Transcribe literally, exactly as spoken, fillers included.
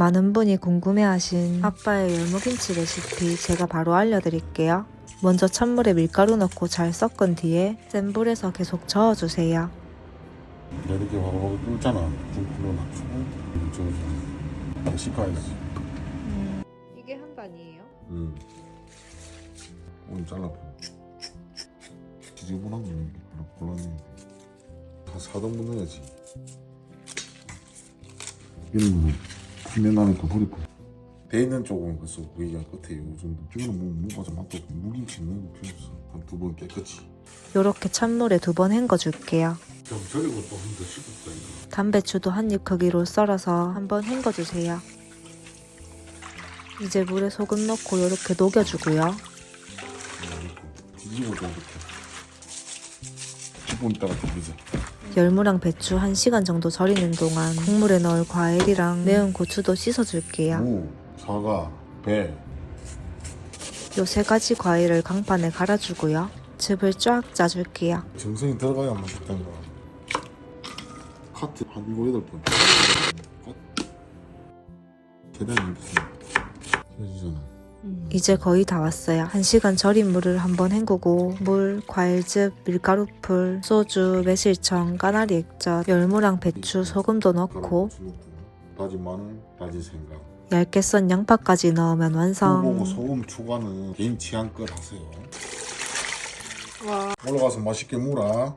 많은 분이 궁금해하신 아빠의 열무김치 레시피 제가 바로 알려드릴게요. 먼저 찬물에 밀가루 넣고 잘 섞은 뒤에 센 불에서 계속 저어주세요. 이렇게 와봐 뚫잖아. 좀 불러놔주고 저기 씻어야지. 음, 이게 한 단이에요? 응. 오늘 잘라보. 지저분한 거는 곤란해. 다 사등분 넣어야지. 이런 거 피면 나니까 버리고. 돼 있는 쪽은 벌써 거기가 끝에 요 정도. 이거는 뭐 뭐가 좀 맛도 없고 무김치 넣는 거 필요 없어. 한 두 번 깨끗이. 요렇게 찬물에 두 번 헹궈줄게요. 좀 절이고 또 한 번 더 씻었다 이거. 담배추도 한 입 크기로 썰어서 한번 헹궈주세요. 이제 물에 소금 넣고 요렇게 녹여주고요. 뒤집어 줘 이렇게. 십 분 있다가 비비자. 열무랑 배추 한 시간 정도 절이는 동안 국물에 넣을 과일이랑 매운 고추도 씻어줄게요. 무, 사과, 배. 요 세 가지 과일을 강판에 갈아주고요. 즙을 쫙 짜줄게요. 정성이 들어가야 맛있다는 거. 카트 한 일곱 여덟 번. 계단이 무슨 해지잖아. 이제 거의 다 왔어요. 한 시간 절인 물을 한번 헹구고 물, 과일즙, 밀가루풀, 소주, 매실청, 까나리 액젓, 열무랑 배추, 소금도 넣고 다진 마늘, 다진 생강. 얇게 썬 양파까지 넣으면 완성. 보고 소금 추가는 개인 취향껏 하세요. 올라가서 맛있게 물어.